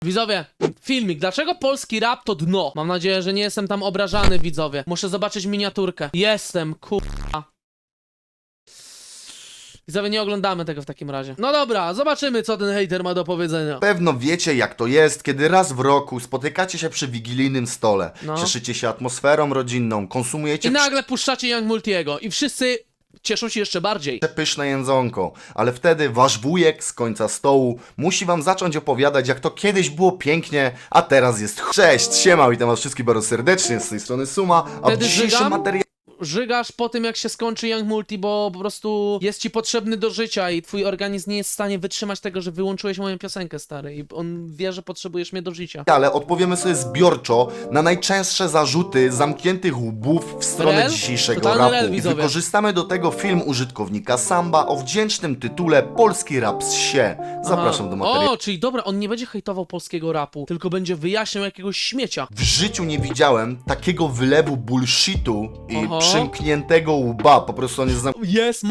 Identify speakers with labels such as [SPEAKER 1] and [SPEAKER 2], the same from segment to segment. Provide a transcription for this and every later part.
[SPEAKER 1] Widzowie, filmik. Dlaczego polski rap to dno? Mam nadzieję, że nie jestem tam obrażany, widzowie. Muszę zobaczyć miniaturkę. Jestem, kurwa. Widzowie, nie oglądamy tego w takim razie. No dobra, zobaczymy, co ten hejter ma do powiedzenia.
[SPEAKER 2] Pewno wiecie, jak to jest, kiedy raz w roku spotykacie się przy wigilijnym stole.
[SPEAKER 1] No.
[SPEAKER 2] Cieszycie się atmosferą rodzinną, konsumujecie
[SPEAKER 1] I nagle puszczacie Young Multiego i wszyscy cieszą się jeszcze bardziej.
[SPEAKER 2] pyszne jedzonko, ale wtedy wasz wujek z końca stołu musi wam zacząć opowiadać, jak to kiedyś było pięknie, a teraz jest Cześć, siema, witam was wszystkich bardzo serdecznie, z tej strony Suma, a w
[SPEAKER 1] Wtedy
[SPEAKER 2] dzisiejszym
[SPEAKER 1] żygam?
[SPEAKER 2] materiale
[SPEAKER 1] Żygasz po tym, jak się skończy Young Multi, bo po prostu jest ci potrzebny do życia i twój organizm nie jest w stanie wytrzymać tego, że wyłączyłeś moją piosenkę, stary. I on wie, że potrzebujesz mnie do życia.
[SPEAKER 2] odpowiemy sobie zbiorczo na najczęstsze zarzuty zamkniętych łbów w stronę
[SPEAKER 1] Rel?
[SPEAKER 2] dzisiejszego
[SPEAKER 1] Totalny
[SPEAKER 2] rapu.
[SPEAKER 1] rel,
[SPEAKER 2] I
[SPEAKER 1] widzowie.
[SPEAKER 2] wykorzystamy do tego film użytkownika Samba o wdzięcznym tytule Polski rap z sie. Zapraszam do materiału.
[SPEAKER 1] O, czyli dobra, on nie będzie hejtował polskiego rapu, tylko będzie wyjaśniał jakiegoś śmiecia.
[SPEAKER 2] W życiu nie widziałem takiego wylewu bullshitu i
[SPEAKER 1] Oho.
[SPEAKER 2] przymkniętego łba. Po prostu on jest
[SPEAKER 1] Jest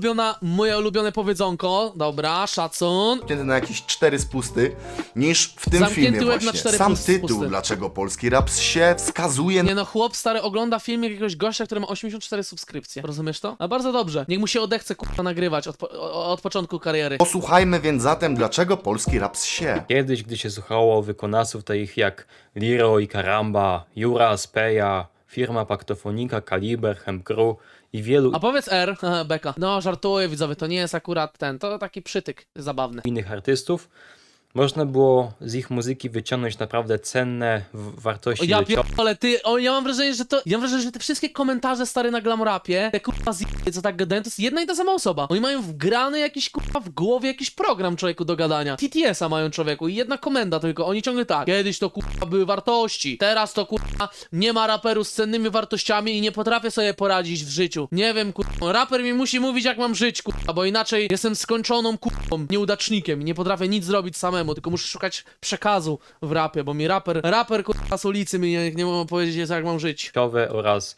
[SPEAKER 1] moje ulubione powiedzonko. Dobra, szacun.
[SPEAKER 2] zamknięty na jakieś 4 spusty, niż w tym
[SPEAKER 1] Zamknięty
[SPEAKER 2] filmie
[SPEAKER 1] łeb na
[SPEAKER 2] właśnie.
[SPEAKER 1] 4
[SPEAKER 2] Sam
[SPEAKER 1] spusty.
[SPEAKER 2] tytuł, dlaczego polski rap się wskazuje
[SPEAKER 1] Nie no, chłop stary ogląda film jakiegoś gościa, który ma 84 subskrypcje. Rozumiesz to? A bardzo dobrze. Niech mu się odechce kurwa nagrywać od początku kariery.
[SPEAKER 2] Posłuchajmy więc zatem, dlaczego polski rap się.
[SPEAKER 3] Kiedyś, gdy się słuchało wykonawców takich jak Liro i Karamba, Jura, Speja, firma Paktofonika, Kaliber, Hemcrew i wielu
[SPEAKER 1] A powiedz R, haha, beka. No, żartuję, widzowie, to nie jest akurat ten, to taki przytyk zabawny.
[SPEAKER 3] innych artystów, można było z ich muzyki wyciągnąć naprawdę cenne wartości
[SPEAKER 1] Ja
[SPEAKER 3] życiowe.
[SPEAKER 1] pierdolę, ja mam wrażenie, że te wszystkie komentarze stary na Glamrapie, te kurwa z***y, co tak gadają, to jest jedna i ta sama osoba. Oni mają wgrany jakiś kurwa w głowie jakiś program człowieku do gadania. TTS-a mają człowieku i jedna komenda tylko, oni ciągle tak. Kiedyś to kurwa były wartości, teraz to kurwa nie ma raperu z cennymi wartościami i nie potrafię sobie poradzić w życiu. Nie wiem kurwa, raper mi musi mówić jak mam żyć kurwa, bo inaczej jestem skończoną kurwą, nieudacznikiem i nie potrafię nic zrobić samemu, tylko muszę szukać przekazu w rapie, bo mi raper kurwa z ulicy mi nie mogą powiedzieć jak mam żyć.
[SPEAKER 3] Oraz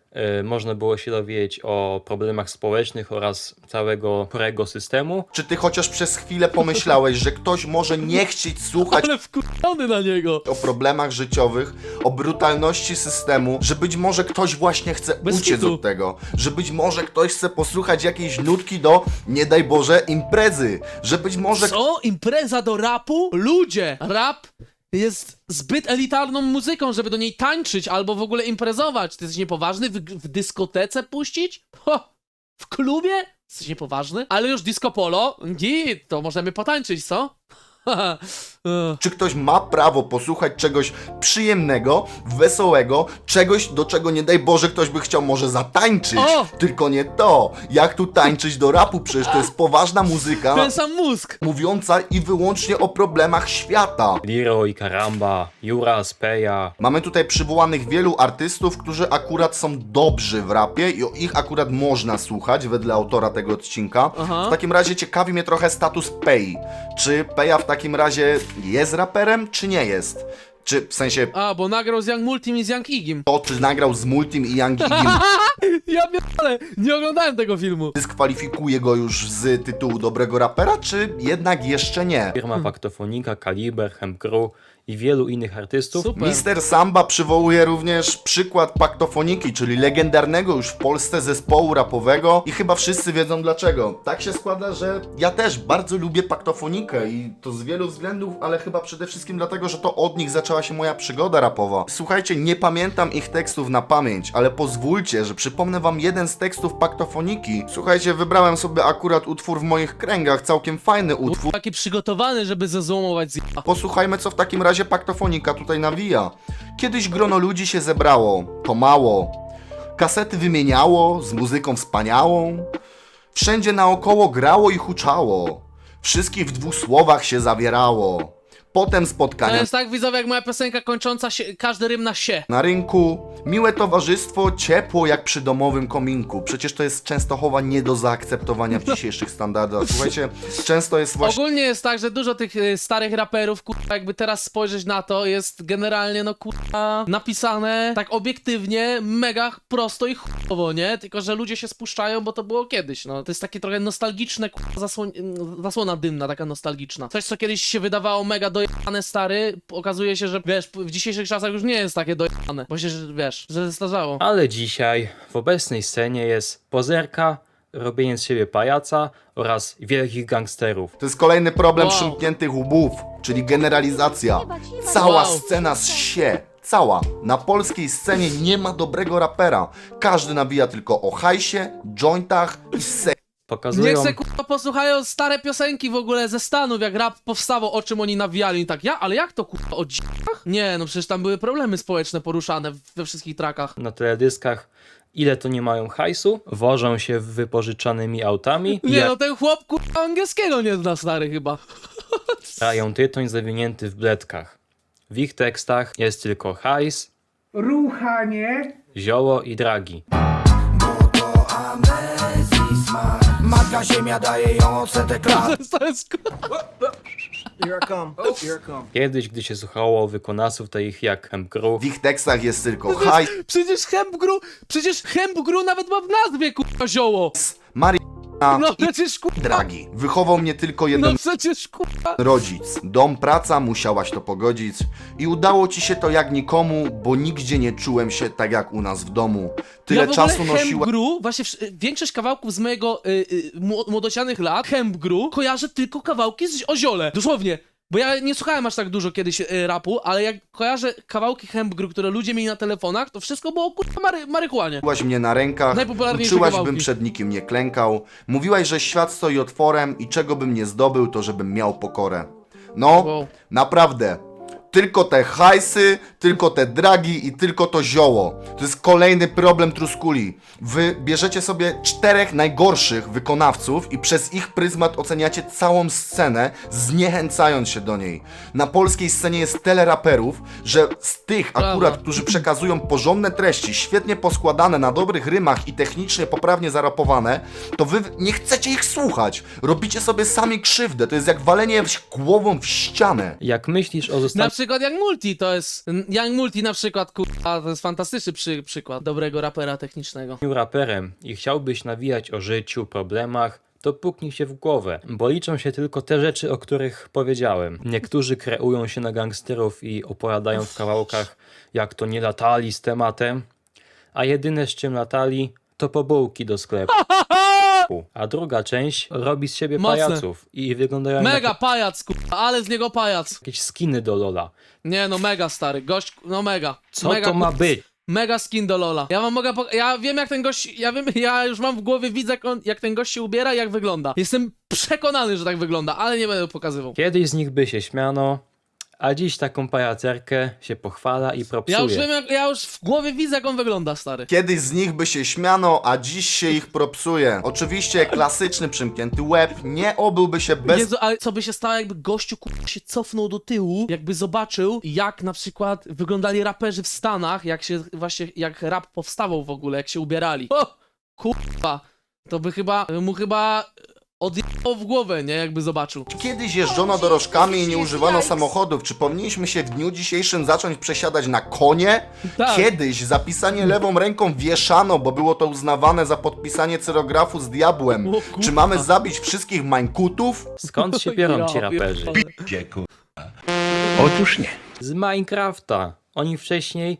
[SPEAKER 3] można było się dowiedzieć o problemach społecznych oraz całego chorego systemu.
[SPEAKER 2] Czy ty chociaż przez chwilę pomyślałeś, że ktoś może nie chcieć słuchać
[SPEAKER 1] Ale wkurwiony na niego.
[SPEAKER 2] o problemach życiowych, o brutalności systemu, że być może ktoś właśnie chce
[SPEAKER 1] Bez
[SPEAKER 2] uciec
[SPEAKER 1] kitu.
[SPEAKER 2] od tego, że być może ktoś chce posłuchać jakiejś nutki do, nie daj Boże, imprezy, że być może
[SPEAKER 1] Co? Impreza do rapu? Ludzie! Rap jest zbyt elitarną muzyką, żeby do niej tańczyć albo w ogóle imprezować. Ty jesteś niepoważny? W dyskotece puścić? Ho! W klubie? Jesteś niepoważny? Ale już disco polo? Git, to możemy potańczyć, co?
[SPEAKER 2] czy ktoś ma prawo posłuchać czegoś przyjemnego, wesołego, czegoś, do czego nie daj Boże ktoś by chciał może zatańczyć,
[SPEAKER 1] O!
[SPEAKER 2] tylko nie to. Jak tu tańczyć do rapu? Przecież to jest poważna muzyka,
[SPEAKER 1] Ten sam mózg!
[SPEAKER 2] mówiąca i wyłącznie o problemach świata.
[SPEAKER 3] Liro i Karamba, Jura, Speja,
[SPEAKER 2] Mamy tutaj przywołanych wielu artystów, którzy akurat są dobrzy w rapie i ich akurat można słuchać, wedle autora tego odcinka.
[SPEAKER 1] Aha.
[SPEAKER 2] W takim razie ciekawi mnie trochę status Pei. Czy Peja w takim razie jest raperem, czy nie jest? Czy w sensie
[SPEAKER 1] A, bo nagrał z Young Multim i z Young Igim.
[SPEAKER 2] to, czy nagrał z Multim i Young Igim,
[SPEAKER 1] Ja pierdolę, nie oglądałem tego filmu.
[SPEAKER 2] dyskwalifikuje go już z tytułu dobrego rapera, czy jednak jeszcze nie?
[SPEAKER 3] firma Paktofonika, Kaliber, Hemcrew i wielu innych artystów.
[SPEAKER 1] Super.
[SPEAKER 2] Mister Samba przywołuje również przykład Paktofoniki, czyli legendarnego już w Polsce zespołu rapowego i chyba wszyscy wiedzą dlaczego. Tak się składa, że ja też bardzo lubię Paktofonikę i to z wielu względów, ale chyba przede wszystkim dlatego, że to od nich zaczęła się moja przygoda rapowa. Słuchajcie, nie pamiętam ich tekstów na pamięć, ale pozwólcie, że przypomnę wam jeden z tekstów Paktofoniki. Słuchajcie, wybrałem sobie akurat utwór w moich kręgach, całkiem fajny utwór.
[SPEAKER 1] Taki przygotowany, żeby zezłomować z
[SPEAKER 2] Posłuchajmy, co w takim razie Paktofonika tutaj nawija. Kiedyś grono ludzi się zebrało, to mało. Kasety wymieniało, z muzyką wspaniałą. Wszędzie naokoło grało i huczało. Wszystkich w 2 słowach się zawierało. Potem
[SPEAKER 1] To
[SPEAKER 2] spotkania
[SPEAKER 1] jest tak, widzowie, jak moja piosenka kończąca się, każdy rym na się.
[SPEAKER 2] na rynku, miłe towarzystwo, ciepło jak przy domowym kominku. Przecież to jest Częstochowa nie do zaakceptowania w dzisiejszych standardach. Słuchajcie, często jest właśnie...
[SPEAKER 1] Ogólnie jest tak, że dużo tych starych raperów, kurwa, jakby teraz spojrzeć na to, jest generalnie, no kurwa, napisane tak obiektywnie, mega prosto i chujowo, nie? Tylko, że ludzie się spuszczają, bo to było kiedyś, no. To jest takie trochę nostalgiczne, kurwa, zasłona dymna, taka nostalgiczna. Coś, co kiedyś się wydawało mega do dojebane, stary, okazuje się, że wiesz, w dzisiejszych czasach już nie jest takie dojebane, bo się, wiesz, że zestarzało.
[SPEAKER 3] Ale dzisiaj w obecnej scenie jest pozerka, robienie z siebie pajaca oraz wielkich gangsterów.
[SPEAKER 2] To jest kolejny problem
[SPEAKER 1] Wow.
[SPEAKER 2] przymkniętych łbów, czyli generalizacja. Cała
[SPEAKER 1] Wow.
[SPEAKER 2] scena zsie. Cała. Na polskiej scenie nie ma dobrego rapera. Każdy nawija tylko o hajsie, jointach i seksie.
[SPEAKER 3] Pokazują
[SPEAKER 1] Niech se kurwa posłuchają stare piosenki w ogóle ze Stanów, jak rap powstawał, o czym oni nawijali i tak, ale jak to kurwa, o dzikach? Nie, no przecież tam były problemy społeczne poruszane we wszystkich trakach.
[SPEAKER 3] na teledyskach, ile to nie mają hajsu, wożą się wypożyczanymi autami i
[SPEAKER 1] Nie no, ten chłop kurwa angielskiego nie zna, stary, chyba.
[SPEAKER 3] jarają tytoń zawinięty w bledkach. W ich tekstach jest tylko hajs,
[SPEAKER 4] ruchanie,
[SPEAKER 3] zioło i dragi.
[SPEAKER 5] Matka ziemia daje ją odsetek lat.
[SPEAKER 1] To jest kurwa...
[SPEAKER 5] Here I come, here I come.
[SPEAKER 3] Kiedyś, gdy się słuchało wykonawców takich jak Hemkru,
[SPEAKER 2] W ich tekstach jest tylko hajs,
[SPEAKER 1] Przecież Hempgru nawet ma w nazwie kurwa zioło.
[SPEAKER 2] marihuana
[SPEAKER 1] No
[SPEAKER 2] i
[SPEAKER 1] przecież kurwa,
[SPEAKER 2] dragi. Wychował mnie tylko jeden
[SPEAKER 1] no przecież kurwa.
[SPEAKER 2] rodzic. Dom, praca, musiałaś to pogodzić. I udało ci się to jak nikomu, bo nigdzie nie czułem się tak jak u nas w domu. Tyle
[SPEAKER 1] Ja w ogóle
[SPEAKER 2] czasu nosiła...
[SPEAKER 1] Hempgru, właśnie większość kawałków z mojego młodocianych lat, Hempgru, kojarzę tylko kawałki o ziole. Dosłownie. Bo ja nie słuchałem aż tak dużo kiedyś rapu, ale jak kojarzę kawałki Hempgru, które ludzie mieli na telefonach, to wszystko było kurwa maryhuanie.
[SPEAKER 2] Mówiłaś mnie na rękach,
[SPEAKER 1] Najpopularniejsze
[SPEAKER 2] uczyłaś,
[SPEAKER 1] kawałki.
[SPEAKER 2] bym przed nikim nie klękał. Mówiłaś, że świat stoi otworem i czego bym nie zdobył, to żebym miał pokorę. No,
[SPEAKER 1] Wow.
[SPEAKER 2] naprawdę. Tylko te hajsy, tylko te dragi i tylko to zioło. To jest kolejny problem Truskuli. Wy bierzecie sobie 4 najgorszych wykonawców i przez ich pryzmat oceniacie całą scenę, zniechęcając się do niej. Na polskiej scenie jest tyle raperów, że z tych akurat,
[SPEAKER 1] Prawda.
[SPEAKER 2] którzy przekazują porządne treści, świetnie poskładane, na dobrych rymach i technicznie poprawnie zarapowane, to wy nie chcecie ich słuchać. Robicie sobie sami krzywdę. To jest jak walenie głową w ścianę.
[SPEAKER 3] jak myślisz o
[SPEAKER 1] Na
[SPEAKER 3] zostaniu
[SPEAKER 1] przykład Young Multi to jest... Young Multi na przykład, kurwa, to jest fantastyczny przykład dobrego rapera technicznego.
[SPEAKER 3] raperem i chciałbyś nawijać o życiu, problemach, to puknij się w głowę, bo liczą się tylko te rzeczy, o których powiedziałem. Niektórzy kreują się na gangsterów i opowiadają w kawałkach, jak to nie latali z tematem, a jedyne z czym latali, to po bułki do sklepu. A druga część robi z siebie
[SPEAKER 1] Mocne.
[SPEAKER 3] pajaców i wyglądają
[SPEAKER 1] Mega
[SPEAKER 3] jak
[SPEAKER 1] pajac, kurwa, ale z niego pajac.
[SPEAKER 3] jakieś skiny do Lola.
[SPEAKER 1] Nie no, mega stary, gość, no mega.
[SPEAKER 3] Co
[SPEAKER 1] mega,
[SPEAKER 3] to ma
[SPEAKER 1] kurwa,
[SPEAKER 3] być?
[SPEAKER 1] Mega skin do Lola. Ja wam mogę ja wiem jak ten gość, ja już mam w głowie, widzę jak ten gość się ubiera i jak wygląda. Jestem przekonany, że tak wygląda, ale nie będę pokazywał.
[SPEAKER 3] Kiedyś z nich by się śmiano, a dziś taką pajacerkę się pochwala i propsuje.
[SPEAKER 1] Ja już wiem, ja już w głowie widzę jak on wygląda, stary.
[SPEAKER 2] Kiedyś z nich by się śmiano, a dziś się ich propsuje. Oczywiście klasyczny przymknięty łeb nie obyłby się bez
[SPEAKER 1] Jezu, ale co by się stało, jakby gościu kurwa się cofnął do tyłu, jakby zobaczył, jak na przykład wyglądali raperzy w Stanach, jak rap powstawał w ogóle, jak się ubierali. O, kurwa, to by mu chyba odjechało w głowę, nie, jakby zobaczył.
[SPEAKER 2] Kiedyś jeżdżono dorożkami i nie używano samochodów. Czy powinniśmy się w dniu dzisiejszym zacząć przesiadać na konie?
[SPEAKER 1] Tak.
[SPEAKER 2] Kiedyś zapisanie lewą ręką wieszano, bo było to uznawane za podpisanie cyrografu z diabłem.
[SPEAKER 1] O kurwa.
[SPEAKER 2] Czy mamy zabić wszystkich mańkutów?
[SPEAKER 3] Skąd się biorą ci
[SPEAKER 1] Ja
[SPEAKER 3] raperzy?
[SPEAKER 1] pierdolę.
[SPEAKER 4] otóż nie.
[SPEAKER 3] Z Minecrafta. Oni wcześniej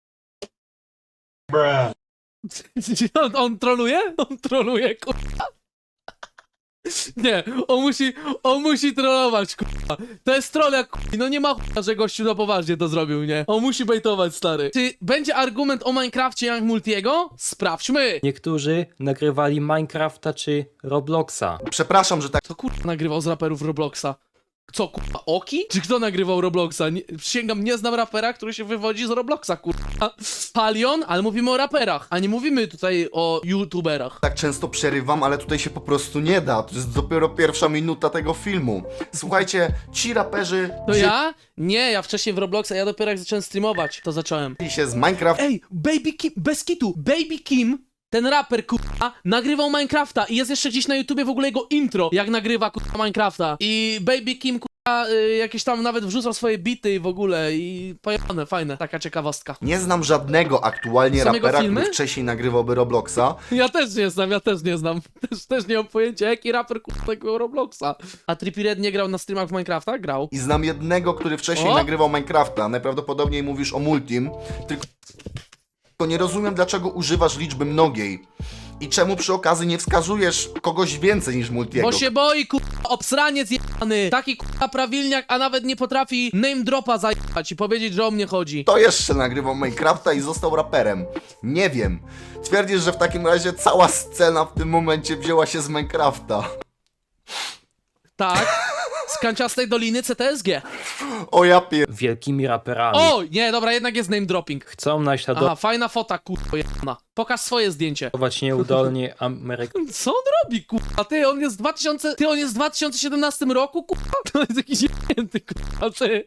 [SPEAKER 1] On troluje? On troluje, kurwa. Nie, on musi trollować, kurwa. To jest troll jak kurwa. No nie ma chuja, że gościu na poważnie to zrobił, nie? On musi bejtować, stary. Czy będzie argument o Minecrafcie Young Multiego? Sprawdźmy.
[SPEAKER 3] niektórzy nagrywali Minecrafta czy Robloxa.
[SPEAKER 2] Przepraszam, że tak
[SPEAKER 1] Kto kurwa nagrywał z raperów Robloxa? Co, kurwa, Oki? Czy kto nagrywał Robloxa? Przysięgam, nie znam rapera, który się wywodzi z Robloxa, kurwa. Palion? Ale mówimy o raperach, a nie mówimy tutaj o youtuberach.
[SPEAKER 2] często przerywam, ale tutaj się po prostu nie da. To jest dopiero pierwsza minuta tego filmu. Słuchajcie, ci raperzy
[SPEAKER 1] To ja? Nie, ja wcześniej w Robloxa, ja dopiero jak zacząłem streamować, to zacząłem.
[SPEAKER 2] wzięli się z Minecraft
[SPEAKER 1] Ej, Baby Kim, bez kitu, Baby Kim, ten raper, kurwa, nagrywał Minecrafta i jest jeszcze gdzieś na YouTubie w ogóle jego intro, jak nagrywa, kurwa, Minecrafta. I Baby Kim, kurwa, jakieś tam nawet wrzucał swoje bity i w ogóle i pojebane, fajne, taka ciekawostka.
[SPEAKER 2] Nie znam żadnego aktualnie
[SPEAKER 1] Są jego
[SPEAKER 2] rapera,
[SPEAKER 1] filmy?
[SPEAKER 2] który wcześniej nagrywałby Robloxa.
[SPEAKER 1] Ja też nie znam. Też nie mam pojęcia, jaki raper kurwa tego Robloxa. A Trippie Redd nie grał na streamach w Minecrafta? Grał.
[SPEAKER 2] I znam jednego, który wcześniej
[SPEAKER 1] O!
[SPEAKER 2] nagrywał Minecrafta. Najprawdopodobniej mówisz o Multim. Tylko nie rozumiem, dlaczego używasz liczby mnogiej. I czemu przy okazji nie wskazujesz kogoś więcej niż Multiego?
[SPEAKER 1] Bo się boi, kurwa, obsraniec jebany. Taki kurwa prawilniak, a nawet nie potrafi name dropa zajebać i powiedzieć, że o mnie chodzi.
[SPEAKER 2] Kto jeszcze nagrywał Minecrafta i został raperem? Nie wiem. Twierdzisz, że w takim razie cała scena w tym momencie wzięła się z Minecrafta.
[SPEAKER 1] Tak. Z kanciastej doliny CTSG.
[SPEAKER 2] O ja pier...
[SPEAKER 3] Wielkimi raperami.
[SPEAKER 1] O, nie, dobra, jednak jest name dropping.
[SPEAKER 3] Chcą naśladować
[SPEAKER 1] Aha, fajna fota, kurwa jebana. Pokaż swoje zdjęcie.
[SPEAKER 3] nieudolnie Amerykanów.
[SPEAKER 1] Co on robi, kurwa? On jest w 2017 roku, kurwa? To jest jakiś jebnięty, kurwa, ty.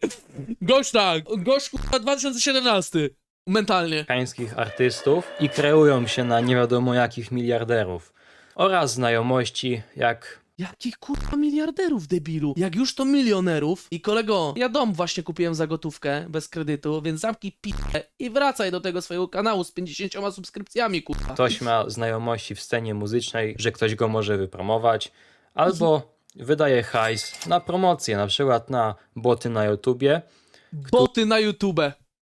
[SPEAKER 1] Gość, kurwa, 2017. Mentalnie.
[SPEAKER 3] artystów i kreują się na nie wiadomo jakich miliarderów. Oraz znajomości jak
[SPEAKER 1] Jakich kurwa miliarderów, debilu? Jak już to milionerów. I kolego, ja dom właśnie kupiłem za gotówkę, bez kredytu, więc zamknij p***ę i wracaj do tego swojego kanału z 50 subskrypcjami, kurwa.
[SPEAKER 3] ktoś ma znajomości w scenie muzycznej, że ktoś go może wypromować, albo wydaje hajs na promocję, na przykład na boty na YouTubie,
[SPEAKER 1] Boty na YouTube.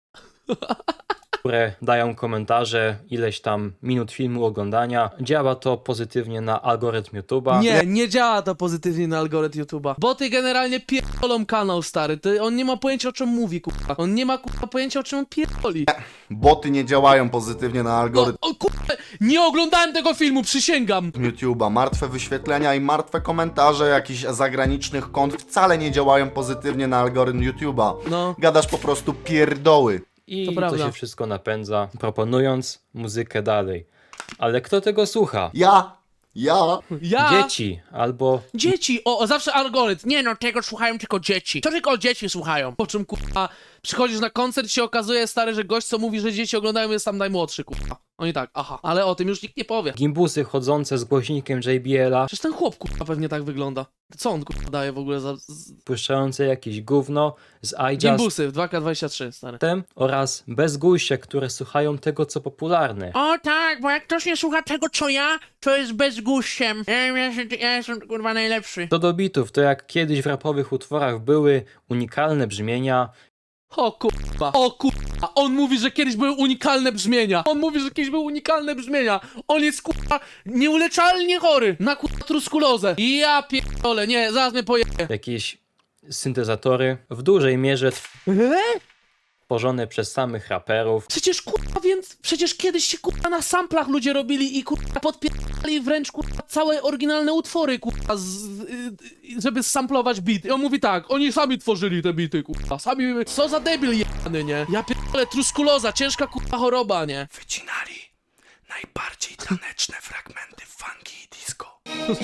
[SPEAKER 3] które dają komentarze, ileś tam minut filmu oglądania. Działa to pozytywnie na algorytm YouTube'a.
[SPEAKER 1] Nie działa to pozytywnie na algorytm YouTube'a. Boty generalnie pierdolą kanał, stary. On nie ma pojęcia, o czym mówi, kurwa. On nie ma, kurwa, pojęcia, o czym on pierdoli.
[SPEAKER 2] Boty nie działają pozytywnie na algorytm
[SPEAKER 1] O kurwa, nie oglądałem tego filmu, przysięgam.
[SPEAKER 2] YouTube'a. Martwe wyświetlenia i martwe komentarze jakichś zagranicznych kont wcale nie działają pozytywnie na algorytm YouTube'a.
[SPEAKER 1] No.
[SPEAKER 2] Gadasz po prostu pierdoły.
[SPEAKER 3] I
[SPEAKER 1] To
[SPEAKER 3] to
[SPEAKER 1] prawda.
[SPEAKER 3] się wszystko napędza, proponując muzykę dalej. Ale kto tego słucha?
[SPEAKER 2] Ja.
[SPEAKER 3] Dzieci albo
[SPEAKER 1] Dzieci, zawsze algorytm. Nie no, tego słuchają tylko dzieci. To tylko dzieci słuchają. Po czym, kurwa, przychodzisz na koncert i się okazuje, stary, że gość, co mówi, że dzieci oglądają, jest tam najmłodszy, kurwa. Oni tak, aha, ale o tym już nikt nie powie.
[SPEAKER 3] gimbusy chodzące z głośnikiem JBL-a,
[SPEAKER 1] Przecież ten chłop, kurwa, pewnie tak wygląda. Co on, kurwa, daje w ogóle za...
[SPEAKER 3] puszczające jakieś gówno z iJust
[SPEAKER 1] Gimbusy w 2K23, stary.
[SPEAKER 3] oraz bezgójście, które słuchają tego, co popularne.
[SPEAKER 6] O tak, bo jak ktoś nie słucha tego co ja, to jest bezguściem. Ja jestem kurwa najlepszy.
[SPEAKER 3] Co do bitów, to jak kiedyś w rapowych utworach były unikalne brzmienia,
[SPEAKER 1] O kurwa, on mówi, że kiedyś były unikalne brzmienia. On jest, kurwa, nieuleczalnie chory na, kurwa, truskulozę. Ja pierdolę, nie, zaraz mnie pojebie.
[SPEAKER 3] jakieś syntezatory, w dużej mierze tworzone przez samych raperów,
[SPEAKER 1] Przecież kiedyś się, kurwa, na samplach ludzie robili i, kurwa, podpierdali wręcz, kurwa, całe oryginalne utwory, kurwa, żeby samplować beat. I on mówi tak, oni sami tworzyli te bity, kurwa, sami, co za debil jebany, nie? Ja pierdolę, truskuloza, ciężka, kurwa, choroba, nie?
[SPEAKER 5] Wycinali najbardziej taneczne fragmenty funky i disco.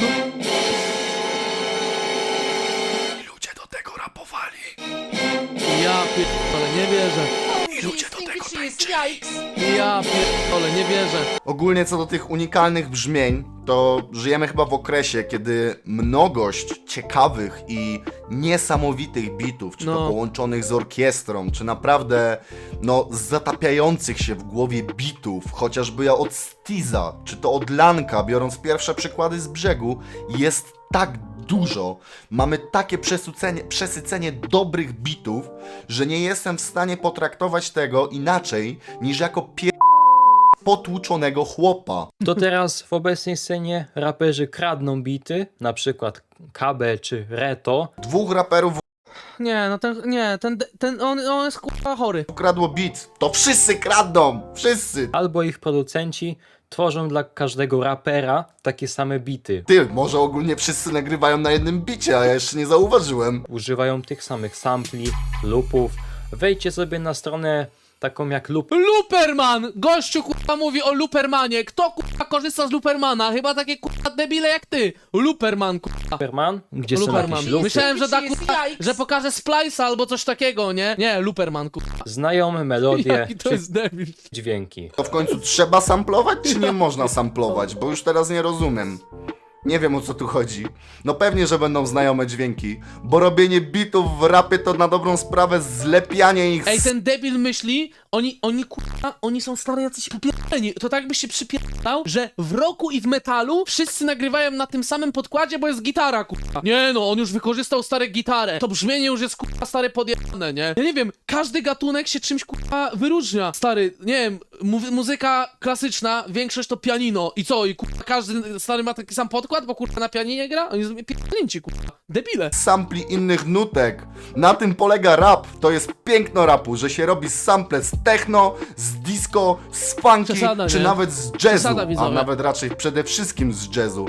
[SPEAKER 5] I ludzie do tego rapowali.
[SPEAKER 1] Ja pierdolę, nie wierzę.
[SPEAKER 5] I ludzie do tego tańczyli.
[SPEAKER 1] Ja pierdolę, nie wierzę.
[SPEAKER 2] Ogólnie co do tych unikalnych brzmień, to żyjemy chyba w okresie, kiedy mnogość ciekawych i niesamowitych bitów, czy to
[SPEAKER 1] No.
[SPEAKER 2] połączonych z orkiestrą, czy naprawdę, zatapiających się w głowie bitów, chociażby ja od Stiza, czy to od Lanka, biorąc pierwsze przykłady z brzegu, jest tak dużo. Mamy takie przesycenie dobrych bitów, że nie jestem w stanie potraktować tego inaczej niż jako potłuczonego chłopa.
[SPEAKER 3] to teraz w obecnej scenie raperzy kradną bity, na przykład KB czy Reto,
[SPEAKER 2] Dwóch raperów
[SPEAKER 1] Nie, no on jest, kurwa, chory.
[SPEAKER 2] ukradło beat. To wszyscy kradną! Wszyscy!
[SPEAKER 3] albo ich producenci tworzą dla każdego rapera takie same bity.
[SPEAKER 2] Ty, może ogólnie wszyscy nagrywają na jednym bicie, a ja jeszcze nie zauważyłem.
[SPEAKER 3] Używają tych samych sampli, loopów. Wejdźcie sobie na stronę taką jak
[SPEAKER 1] Luperman! Gościu, kurwa, mówi o Lupermanie. Kto, kurwa, korzysta z Lupermana? Chyba takie, kurwa, debile jak ty. Luperman, kurwa.
[SPEAKER 3] Luperman, gdzie są
[SPEAKER 1] Luperman.
[SPEAKER 3] jakieś loopy.
[SPEAKER 1] Myślałem, że da, kurwa, że pokaże Splice'a albo coś takiego, nie? Nie, Luperman, kurwa.
[SPEAKER 3] Znajome melodie
[SPEAKER 1] Jaki to
[SPEAKER 3] czy
[SPEAKER 1] jest debil.
[SPEAKER 3] dźwięki.
[SPEAKER 2] To w końcu trzeba samplować, czy nie można samplować? Bo już teraz nie rozumiem. Nie wiem, o co tu chodzi. No pewnie, że będą znajome dźwięki, bo robienie bitów w rapie to na dobrą sprawę zlepianie ich
[SPEAKER 1] Ej, ten debil myśli, oni kurwa, oni są stary jacyś popierdoleni. To tak byś się przypierdał, że w rocku i w metalu wszyscy nagrywają na tym samym podkładzie, bo jest gitara, kurwa. Nie no, on już wykorzystał stare gitarę. To brzmienie już jest kurwa stare podjebane, nie? Ja nie wiem, każdy gatunek się czymś kurwa wyróżnia. Stary, nie wiem, muzyka klasyczna, większość to pianino. I co? I kurwa każdy stary ma taki sam podkład, bo kurwa na pianinie gra? Oni są pierdolnięci, kurwa. Debile.
[SPEAKER 2] sampli innych nutek. Na tym polega rap. To jest piękno rapu, że się robi sample z techno, z disco, z funky,
[SPEAKER 1] Przesada,
[SPEAKER 2] czy
[SPEAKER 1] nie?
[SPEAKER 2] nawet z jazzu,
[SPEAKER 1] Przesada,
[SPEAKER 2] a
[SPEAKER 1] widzowie.
[SPEAKER 2] nawet raczej przede wszystkim z jazzu.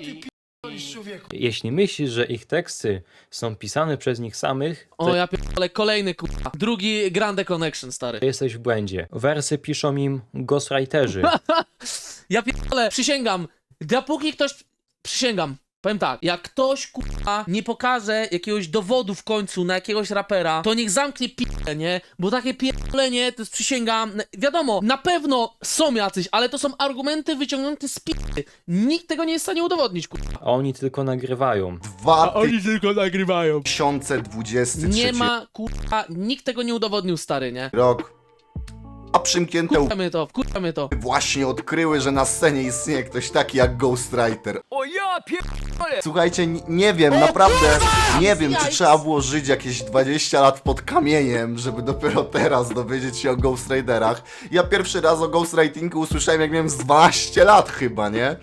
[SPEAKER 3] Jeśli myślisz, że ich teksty są pisane przez nich samych,
[SPEAKER 1] O, ja pierdolę, kolejny kurwa. Drugi Grande Connection, stary.
[SPEAKER 3] to jesteś w błędzie. Wersy piszą im ghostwriterzy.
[SPEAKER 1] Ja pierdolę, przysięgam. Dopóki ktoś... Przysięgam. Powiem tak, jak ktoś kurwa nie pokaże jakiegoś dowodu w końcu na jakiegoś rapera, to niech zamknie p***e, nie? Bo takie pierdolenie, to jest przysięgam, wiadomo, na pewno są jacyś, ale to są argumenty wyciągnięte z p***y. Nikt tego nie jest w stanie udowodnić, kurwa.
[SPEAKER 3] A oni tylko nagrywają.
[SPEAKER 1] tylko nagrywają.
[SPEAKER 2] 2023
[SPEAKER 1] Nie ma, kurwa, nikt tego nie udowodnił, stary, nie?
[SPEAKER 2] rok. A przymknięte
[SPEAKER 1] Wkurwa mnie to.
[SPEAKER 2] właśnie odkryły, że na scenie istnieje ktoś taki jak Ghostwriter.
[SPEAKER 5] O ja pierdolę!
[SPEAKER 2] Słuchajcie, nie wiem, naprawdę nie wiem, czy trzeba było żyć jakieś 20 lat pod kamieniem, żeby dopiero teraz dowiedzieć się o ghostwriterach. Ja pierwszy raz o ghostwritingu usłyszałem, jak miałem z 12 lat chyba, nie?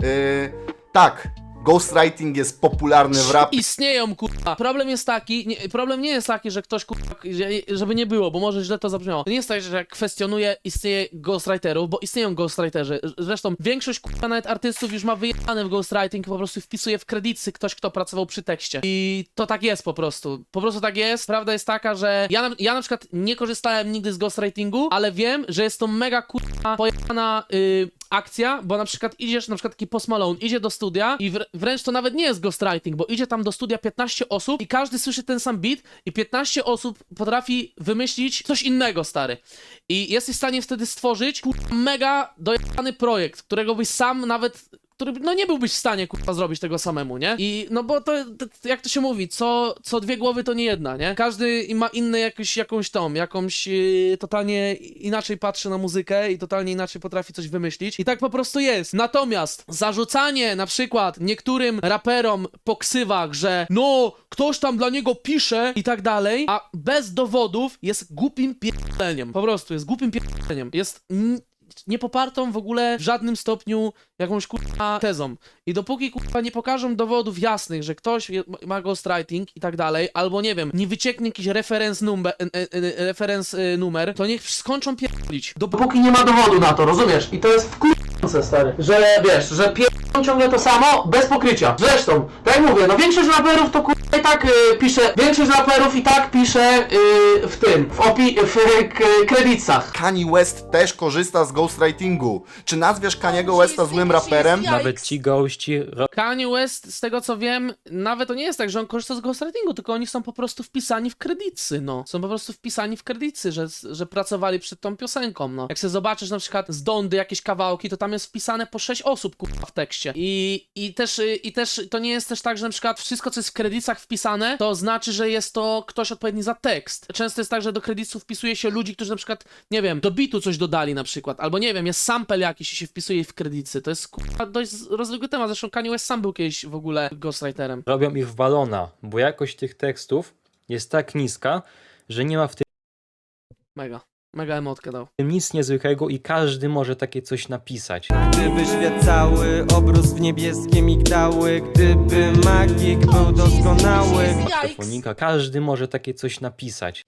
[SPEAKER 2] Tak, ghostwriting jest popularny w rapie.
[SPEAKER 1] Istnieją, kurwa. Problem jest taki, problem nie jest taki, że ktoś, kurwa, żeby nie było, bo może źle to zabrzmiało. To nie jest tak, że kwestionuje istnieje ghostwriterów, bo istnieją ghostwriterzy. Zresztą większość, kurwa, nawet artystów już ma wyjebane w ghostwriting, po prostu wpisuje w kredyty ktoś, kto pracował przy tekście. I to tak jest po prostu. Po prostu tak jest. Prawda jest taka, że ja na przykład nie korzystałem nigdy z ghostwritingu, ale wiem, że jest to mega, kurwa, pojebana akcja, bo na przykład idziesz, na przykład taki Post Malone idzie do studia i wręcz to nawet nie jest ghostwriting, bo idzie tam do studia 15 osób i każdy słyszy ten sam beat i 15 osób potrafi wymyślić coś innego, stary. I jesteś w stanie wtedy stworzyć kurwa, mega dojebany projekt, którego byś sam nawet, który, no nie byłbyś w stanie kurwa zrobić tego samemu, nie? I no bo to jak to się mówi, co dwie głowy to nie jedna, nie? Każdy ma inny jakąś totalnie inaczej patrzy na muzykę i totalnie inaczej potrafi coś wymyślić i tak po prostu jest. Natomiast zarzucanie na przykład niektórym raperom po ksywach, że no ktoś tam dla niego pisze i tak dalej, a bez dowodów jest głupim pierdoleniem. Po prostu jest głupim pierdoleniem. Jest niepopartą w ogóle w żadnym stopniu jakąś kurwa tezą. I dopóki kurwa nie pokażą dowodów jasnych, że ktoś ma ghostwriting i tak dalej, albo nie wiem, nie wycieknie jakiś reference numer, to niech skończą pierdolić.
[SPEAKER 7] Dopóki nie ma dowodu na to, rozumiesz? I to jest wkurzące, stary, że wiesz, że pierdolą ciągle to samo, bez pokrycia. Zresztą, tak jak mówię, no większość raperów to kurwa i tak pisze, większość raperów i tak pisze w tym, w kredytach.
[SPEAKER 2] Kanye West też korzysta z ghostwritingu. Czy nazwiesz Kaniego Westa złym raperem?
[SPEAKER 3] Nawet ci gości
[SPEAKER 1] Kanye West, z tego co wiem, nawet to nie jest tak, że on korzysta z ghostwritingu, tylko oni są po prostu wpisani w kredyty, no. Są po prostu wpisani w kredyty, że pracowali przed tą piosenką, no. Jak sobie zobaczysz na przykład z Dondy jakieś kawałki, to tam jest wpisane po 6 osób, kurwa, w tekście. I też to nie jest też tak, że na przykład wszystko, co jest w kredytach wpisane, to znaczy, że jest to ktoś odpowiedni za tekst. Często jest tak, że do kredytów wpisuje się ludzi, którzy na przykład, nie wiem, do bitu coś dodali na przykład, albo nie wiem, jest sample jakiś i się wpisuje w kredyty. To jest, kurwa, dość rozległy temat. Zresztą Kanye West sam był kiedyś w ogóle ghostwriterem.
[SPEAKER 3] robią ich w balona, bo jakość tych tekstów jest tak niska, że nie ma w
[SPEAKER 1] Mega emotkę dał.
[SPEAKER 3] tym nic niezwykłego i każdy może takie coś napisać.
[SPEAKER 8] Gdyby świat cały obrósł w niebieskie migdały, gdyby magik był doskonały.
[SPEAKER 3] Paktofonika, każdy może takie coś napisać.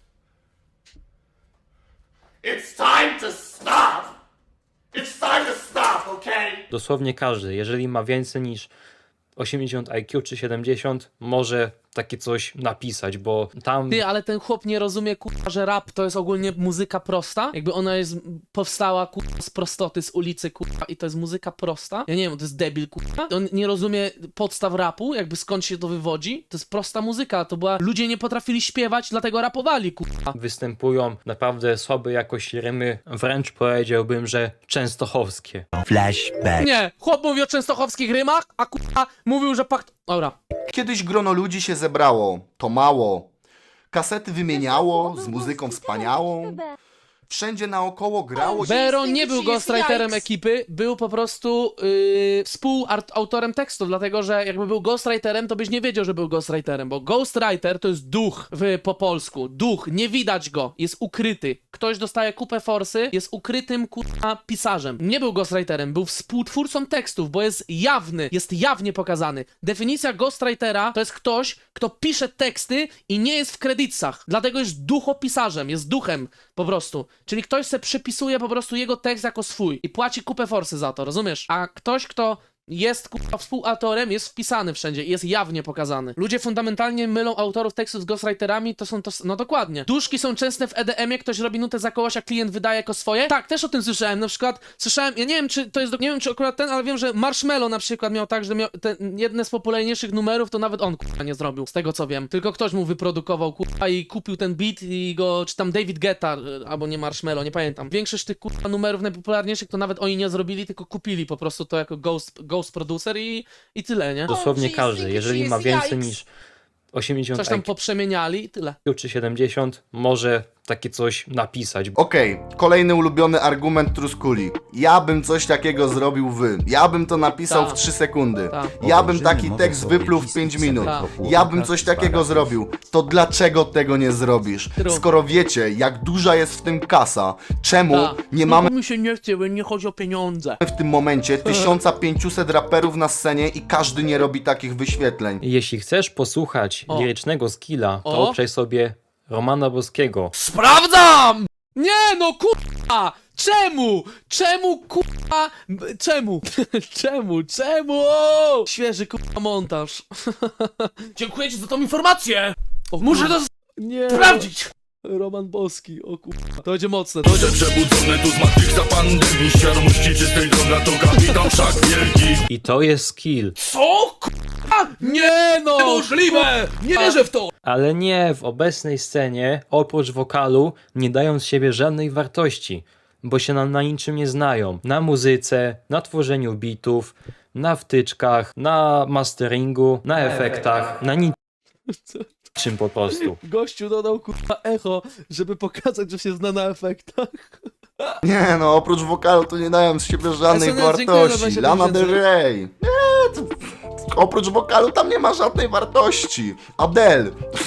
[SPEAKER 2] It's time to stop! It's time to stop, okay?
[SPEAKER 3] Dosłownie każdy, jeżeli ma więcej niż 80 IQ czy 70, może takie coś napisać, bo tam
[SPEAKER 1] Ty, ale ten chłop nie rozumie, kurwa, że rap to jest ogólnie muzyka prosta. Jakby ona jest, powstała, kurwa, z prostoty, z ulicy, kurwa, i to jest muzyka prosta. Ja nie wiem, to jest debil, kurwa. On nie rozumie podstaw rapu, jakby skąd się to wywodzi. To jest prosta muzyka, to była... Ludzie nie potrafili śpiewać, dlatego rapowali, kurwa.
[SPEAKER 3] występują naprawdę słabe jakoś rymy, wręcz powiedziałbym, że częstochowskie.
[SPEAKER 1] Nie, chłop mówi o częstochowskich rymach, a kurwa mówił, że pakt... Dobra.
[SPEAKER 2] Kiedyś grono ludzi się zebrało, to mało. Kasety wymieniało, z muzyką wspaniałą. Wszędzie naokoło grało.
[SPEAKER 1] Bero nie był ghostwriterem ekipy, był po prostu współautorem tekstów, dlatego że jakby był ghostwriterem, to byś nie wiedział, że był ghostwriterem, bo ghostwriter to jest duch po polsku. Duch, nie widać go, jest ukryty. Ktoś dostaje kupę forsy, jest ukrytym kurwa pisarzem. Nie był ghostwriterem, był współtwórcą tekstów, bo jest jawny, jest jawnie pokazany. Definicja ghostwritera to jest ktoś, kto pisze teksty i nie jest w kredytach. Dlatego jest duchopisarzem, jest duchem po prostu. Czyli ktoś se przypisuje po prostu jego tekst jako swój i płaci kupę forsy za to, rozumiesz? A ktoś, kto jest kurwa współautorem, jest wpisany wszędzie i jest jawnie pokazany. Ludzie fundamentalnie mylą autorów tekstów z ghostwriterami, to są to... No dokładnie. Duszki są częste w EDM-ie, ktoś robi nutę za kogoś, a klient wydaje jako swoje. Tak, też o tym słyszałem. Na przykład słyszałem, ja nie wiem, czy to jest... Nie wiem, czy akurat ten, ale wiem, że Marshmello na przykład miał tak, że miał jedne z popularniejszych numerów, to nawet on kurwa nie zrobił, z tego co wiem. Tylko ktoś mu wyprodukował kurwa i kupił ten beat i go... Czy tam David Guetta, albo nie Marshmello, nie pamiętam. Większość tych kurwa numerów najpopularniejszych to nawet oni nie zrobili, tylko kupili po prostu to jako ghost producer i tyle, nie?
[SPEAKER 3] Dosłownie każdy, jeżeli ma więcej niż 80
[SPEAKER 1] Coś tam
[SPEAKER 3] IQ
[SPEAKER 1] poprzemieniali i tyle.
[SPEAKER 3] czy 70, może takie coś napisać.
[SPEAKER 2] Okej, kolejny ulubiony argument Truskuli. Ja bym coś takiego zrobił ja bym to napisał
[SPEAKER 1] Ta.
[SPEAKER 2] w 3 sekundy.
[SPEAKER 1] Ta.
[SPEAKER 2] Ja bym taki tekst wypluł w 5 minut.
[SPEAKER 1] Ta.
[SPEAKER 2] Ja bym coś takiego zrobił. To dlaczego tego nie zrobisz?
[SPEAKER 1] True.
[SPEAKER 2] Skoro wiecie, jak duża jest w tym kasa, czemu
[SPEAKER 1] Ta.
[SPEAKER 2] nie mamy
[SPEAKER 6] Mi się nie chce, bo nie chodzi o pieniądze.
[SPEAKER 2] w tym momencie 1500 raperów na scenie i każdy nie robi takich wyświetleń?
[SPEAKER 3] Jeśli chcesz posłuchać
[SPEAKER 1] O.
[SPEAKER 3] lirycznego skilla, to
[SPEAKER 1] O.
[SPEAKER 3] obczaj sobie Romana Boskiego.
[SPEAKER 1] Sprawdzam! Nie no kurwa! Czemu? Czemu kurwa? Czemu? Czemu? Świeży kurwa montaż.
[SPEAKER 6] Dziękuję ci za tą informację!
[SPEAKER 1] O,
[SPEAKER 6] Muszę to
[SPEAKER 1] nie.
[SPEAKER 6] sprawdzić!
[SPEAKER 1] Roman Boski, o kurwa. To będzie mocne, to będzie...
[SPEAKER 5] Przebudzony tu z zmartwych za pandemii. Świadomości czystej droga to kapitan wszak wielki.
[SPEAKER 3] I to jest skill.
[SPEAKER 6] Co?
[SPEAKER 1] Nie no!
[SPEAKER 6] Niemożliwe! Nie wierzę w to!
[SPEAKER 3] Ale nie, w obecnej scenie, oprócz wokalu, nie dają z siebie żadnej wartości, bo się na niczym nie znają. Na muzyce, na tworzeniu bitów, na wtyczkach, na masteringu, na efektach, na niczym po prostu.
[SPEAKER 1] Gościu dodał kurwa echo, żeby pokazać, że się zna na efektach.
[SPEAKER 2] Nie no, oprócz wokalu to nie dają z siebie żadnej
[SPEAKER 1] SNL, dziękuję za
[SPEAKER 2] wartości.
[SPEAKER 1] 25
[SPEAKER 2] Lana Del
[SPEAKER 1] tysięcy.
[SPEAKER 2] Rey. Nie, to... Oprócz wokalu tam nie ma żadnej wartości. Adele.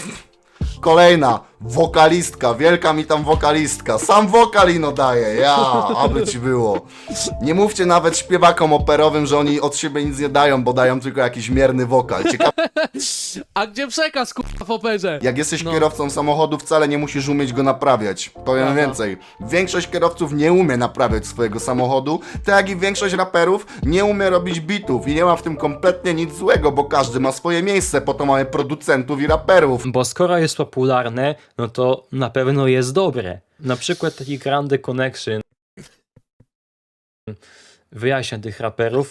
[SPEAKER 2] Kolejna wokalistka, wielka mi tam wokalistka. Sam wokal ino daje, ja, aby ci było. Nie mówcie nawet śpiewakom operowym, że oni od siebie nic nie dają, bo dają tylko jakiś mierny wokal. Ciekawe,
[SPEAKER 1] A gdzie przekaz kurwa w operze?
[SPEAKER 2] jak jesteś
[SPEAKER 1] No.
[SPEAKER 2] kierowcą samochodu, wcale nie musisz umieć go naprawiać. Powiem
[SPEAKER 1] Aha.
[SPEAKER 2] więcej. Większość kierowców nie umie naprawiać swojego samochodu, tak jak i większość raperów nie umie robić bitów i nie ma w tym kompletnie nic złego, bo każdy ma swoje miejsce, po to mamy producentów i raperów.
[SPEAKER 3] Bo skoro jest popularne, no to na pewno jest dobre. Na przykład taki Grande Connection wyjaśnia tych raperów.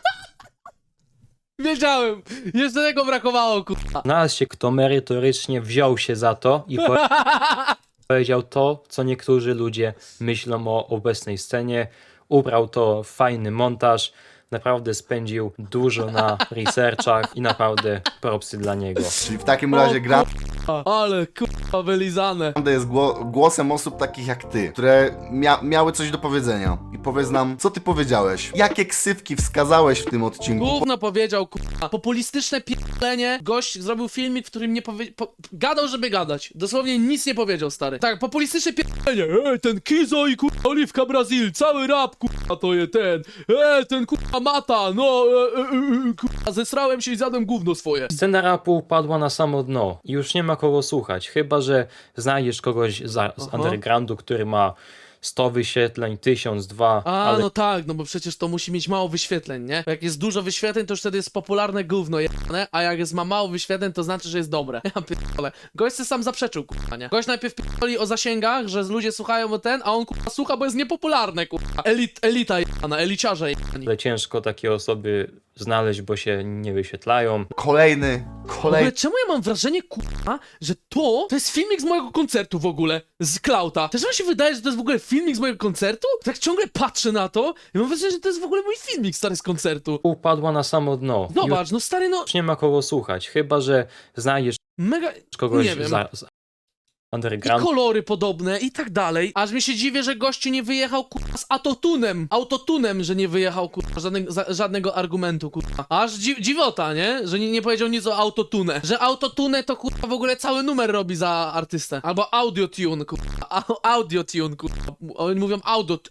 [SPEAKER 1] Wiedziałem! Jeszcze tego brakowało kurwa.
[SPEAKER 3] Znalazł się, kto merytorycznie wziął się za to i powiedział to, co niektórzy ludzie myślą o obecnej scenie. Ubrał to w fajny montaż. Naprawdę spędził dużo na researchach i naprawdę propsy dla niego.
[SPEAKER 2] Czyli w takim razie Grande
[SPEAKER 1] Ale kurwa wylizane.
[SPEAKER 2] jest głosem osób takich jak ty, które miały coś do powiedzenia. I powiedz nam, co ty powiedziałeś? Jakie ksywki wskazałeś w tym odcinku?
[SPEAKER 1] Gówno powiedział kurwa. Populistyczne pierdolenie. Gość zrobił filmik, w którym nie gadał, żeby gadać. Dosłownie nic nie powiedział, stary. Tak, populistyczne pierdolenie. Ten Kizo i kurwa Oliwka Brazil. Cały rap kurwa to jest ten. Ten kurwa Mata. No, kurwa zesrałem się i zjadłem gówno swoje.
[SPEAKER 3] Scena rapu upadła na samo dno i już nie ma kogo słuchać, chyba że znajdziesz kogoś z undergroundu, który ma 100 wyświetleń, 1000, 2,
[SPEAKER 1] A,
[SPEAKER 3] ale
[SPEAKER 1] no tak, no bo przecież to musi mieć mało wyświetleń, nie? Bo jak jest dużo wyświetleń, to już wtedy jest popularne gówno jebane, a jak ma mało wyświetleń, to znaczy, że jest dobre. Ja pierdolę. Gość se sam zaprzeczył, kurwa, nie? Gość najpierw pierdoli o zasięgach, że ludzie słuchają o ten, a on, kurwa, słucha, bo jest niepopularny, kurwa. Elita jebana, eliciarze jebani.
[SPEAKER 3] ciężko takie osoby znaleźć, bo się nie wyświetlają.
[SPEAKER 2] Kolejny.
[SPEAKER 1] W ogóle czemu ja mam wrażenie, kurwa, że to jest filmik z mojego koncertu w ogóle, z Klauta. Też mi się wydaje, że to jest w ogóle filmik z mojego koncertu? Tak ciągle patrzę na to i mam wrażenie, że to jest w ogóle mój filmik, stary, z koncertu.
[SPEAKER 3] Upadła na samo dno.
[SPEAKER 1] Zobacz, no stary, no
[SPEAKER 3] Już nie ma kogo słuchać, chyba że znajdziesz
[SPEAKER 1] mega...
[SPEAKER 3] kogoś
[SPEAKER 1] nie wiem.
[SPEAKER 3] z
[SPEAKER 1] I
[SPEAKER 3] underground.
[SPEAKER 1] kolory podobne i tak dalej. Aż mi się dziwię, że gościu nie wyjechał, kurwa, z autotunem, że nie wyjechał, kurwa, żadnego argumentu, kurwa. Aż dziwota, nie? Że nie powiedział nic o autotune. Że autotune to, kurwa, w ogóle cały numer robi za artystę. Albo audiotune, kurwa. Audiotune, kurwa. Oni mówią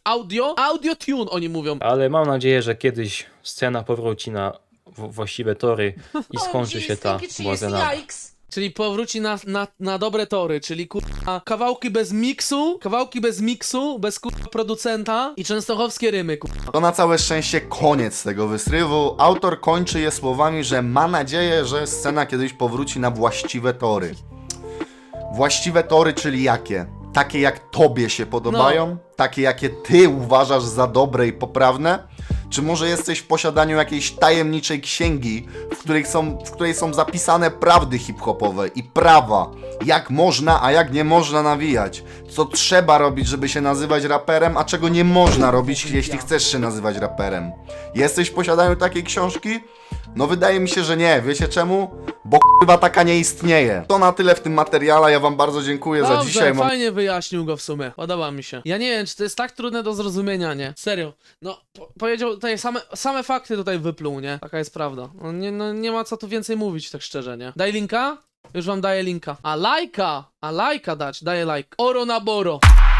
[SPEAKER 1] audiotune oni mówią.
[SPEAKER 3] Ale mam nadzieję, że kiedyś scena powróci na właściwe tory i skończy się ta błazenada.
[SPEAKER 1] Czyli powróci na dobre tory, czyli kurwa kawałki bez miksu, bez kurwa producenta i częstochowskie rymy, kurwa.
[SPEAKER 2] To na całe szczęście koniec tego wysrywu. Autor kończy je słowami, że ma nadzieję, że scena kiedyś powróci na właściwe tory. Właściwe tory, czyli jakie? Takie jak tobie się podobają? Takie jakie ty uważasz za dobre i poprawne? Czy może jesteś w posiadaniu jakiejś tajemniczej księgi, w której są zapisane prawdy hip-hopowe i prawa? Jak można, a jak nie można nawijać? Co trzeba robić, żeby się nazywać raperem, a czego nie można robić, jeśli chcesz się nazywać raperem? Jesteś w posiadaniu takiej książki? No wydaje mi się, że nie. Wiecie czemu? Bo k***wa taka nie istnieje. To na tyle w tym materiale. Ja wam bardzo dziękuję za
[SPEAKER 1] Dobrze,
[SPEAKER 2] dzisiaj.
[SPEAKER 1] fajnie wyjaśnił go w sumie. Podoba mi się. Ja nie wiem, czy to jest tak trudne do zrozumienia, nie? Serio. No, powiedział tutaj same fakty tutaj wypluł, nie? Taka jest prawda. No, nie ma co tu więcej mówić, tak szczerze, nie? Daj linka? Już wam daję linka. A lajka dać, daję like. Oro na boro.